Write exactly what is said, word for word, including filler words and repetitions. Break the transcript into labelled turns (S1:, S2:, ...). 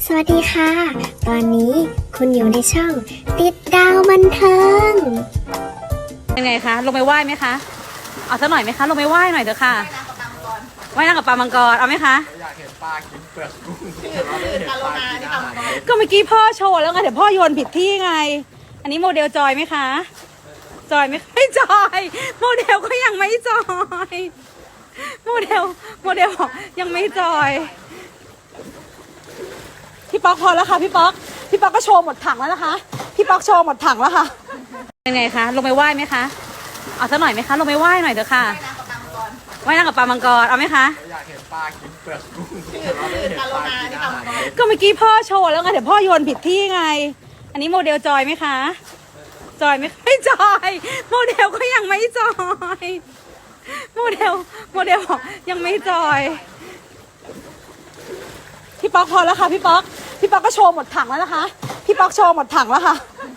S1: สวัสดีค่ะ ตอนนี้คุณอยู่ในช่องติดดาวบันเทิง
S2: ยังไงคะลงไปไหว้ไหมคะเอาสักหน่อยไหมคะลงไปไหว้หน่อยเถอะค่ะไหว้นางกับปลามังกรเอาไหมคะ
S3: อยากเห็นปลากินเปลือกกุ้งเราไม่เห็นปลากินอาหารเลย
S2: ก็เมื่อกี้พ่อโชว์แล้วไงเดี๋ยวพ่อโยนผิดที่ไงอันนี้โมเดลจอยไหมคะจอยไหมไม่จอยโมเดลก็ยังไม่จอยโมเดลโมเดลบอกยังไม่จอยพี่ป๊อกพอแล้วค่ะพี่ป๊อกพี่ป๊อกก็โชว์หมดถังแล้วนะคะพี่ป๊อกโชว์หมดถังแล้วค่ะยังไงคะลงไปไหว้ไหมคะเอาสักหน่อยไหมคะลงไปไหว้หน่อยเถอะค่ะไหว้นางกับปลามังกรเอาไหมคะ
S3: อยากเห็นปลากินเปลือกกุ้งเราไม่เห็นปลากินอาหารเลย
S2: ก็เมื่อกี้พ่อโชว์แล้วไงเดี๋ยวพ่อโยนผิดที่ไงอันนี้โมเดลจอยไหมคะจอยไหมไม่จอยโมเดลก็ยังไม่จอยโมเดลโมเดลบอกยังไม่จอยพี่ป๊อกพอแล้วค่ะพี่ป๊อกพี่ป๊อกก็โชว์หมดถังแล้วนะคะพี่ป๊อกโชว์หมดถังแล้วค่ะ